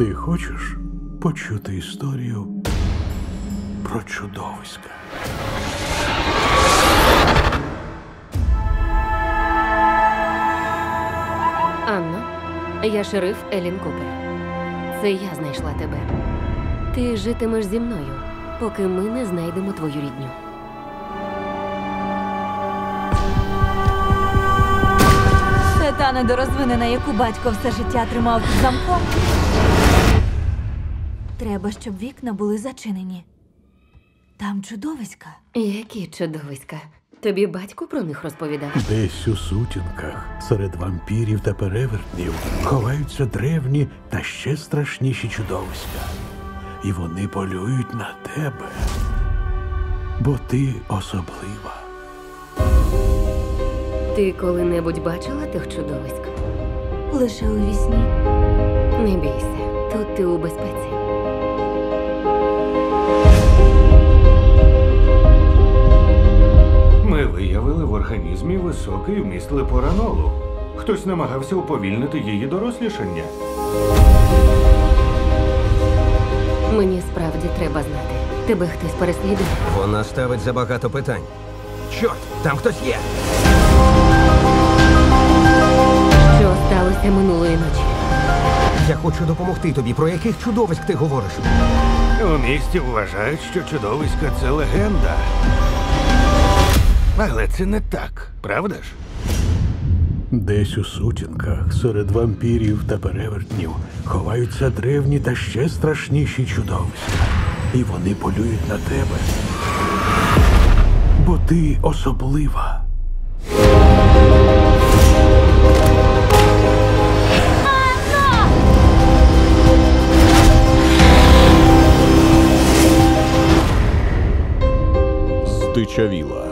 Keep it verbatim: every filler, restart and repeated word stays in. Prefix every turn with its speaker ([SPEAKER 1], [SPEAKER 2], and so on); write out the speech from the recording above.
[SPEAKER 1] Ти хочеш почути історію про чудовиська?
[SPEAKER 2] Анно, я шериф Елін Купер. Це я знайшла тебе. Ти житимеш зі мною, поки ми не знайдемо твою рідню.
[SPEAKER 3] Це та недорозвинена, яку батько все життя тримав під замком. Треба, щоб вікна були зачинені. Там чудовиська.
[SPEAKER 2] Які чудовиська. Тобі батько про них розповідав?
[SPEAKER 1] Десь у сутінках, серед вампірів та перевертнів, ховаються древні та ще страшніші чудовиська. І вони полюють на тебе, бо ти особлива.
[SPEAKER 2] Ти коли-небудь бачила тих чудовиськ?
[SPEAKER 3] Лише у вісні.
[SPEAKER 2] Не бійся, тут ти у безпеці.
[SPEAKER 4] Ми виявили в організмі високий вміст лепоранолу. Хтось намагався уповільнити її дорослішання.
[SPEAKER 2] Мені справді треба знати. Тебе хтось переслідує?
[SPEAKER 5] Вона ставить забагато питань. Чорт, там хтось є!
[SPEAKER 2] Що сталося минулої ночі?
[SPEAKER 5] Я хочу допомогти тобі. Про яких чудовиськ ти говориш?
[SPEAKER 4] У місті вважають, що чудовиська – це легенда. Але це не так, правда ж?
[SPEAKER 1] Десь у сутінках, серед вампірів та перевертнів, ховаються древні та ще страшніші чудовиська. І вони полюють на тебе, бо ти особлива.
[SPEAKER 6] Здичавіла.